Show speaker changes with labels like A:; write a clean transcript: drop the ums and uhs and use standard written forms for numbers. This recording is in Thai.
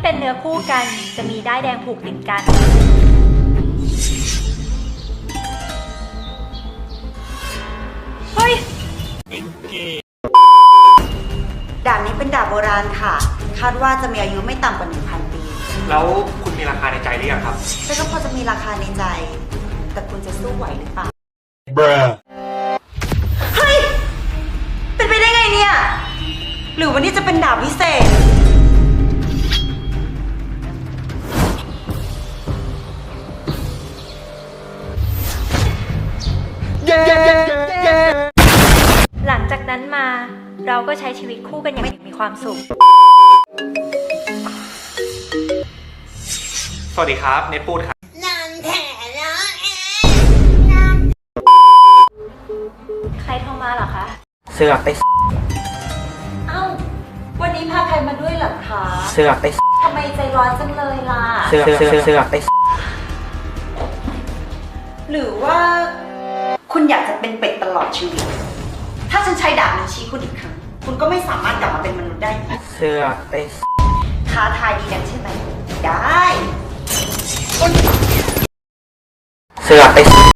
A: เป็นเนื้อคู่กันจะมีด้ายแดงผูกติดกันเฮ้ย
B: ดาบนี้เป็นดาบโบราณค่ะคาดว่าจะมีอายุไม่ต่ำกว่า 1,000 ปี
C: แล้วคุณมีราคาในใจหรือยังครับ
B: แต่ก็พอจะมีราคาในใจแต่คุณจะสู้ไหวหรือเปล่า เฮ้ยเป็นไปได้ไงเนี่ยหรือวันนี้จะเป็นดาบพิเศษ
A: หลังจากนั้นมาเราก็ใช้ชีวิตคู่กันอย่างมีความสุข
C: สวัสดีครับเนทพูดครับ
A: ใครโทรมาเหรอคะ
C: เสือกไป
B: เอ้าวันนี้พาใครมาด้วยเหรอคะ
C: เสือกไป
B: ทำไมใจร้อนจังเลยล่ะ
C: เสือกไป
B: หรือว่าคุณอยากจะเป็นเป็ดตลอดชีวิตถ้าฉันใช้ดาบนี้ชี้คุณอีกครั้งคุณก็ไม่สามารถกลับมาเป็นมนุษย์ได้อีก
C: เสือกไป
B: ท้าทายดีนักใช่ไหมได้
C: เสือกไป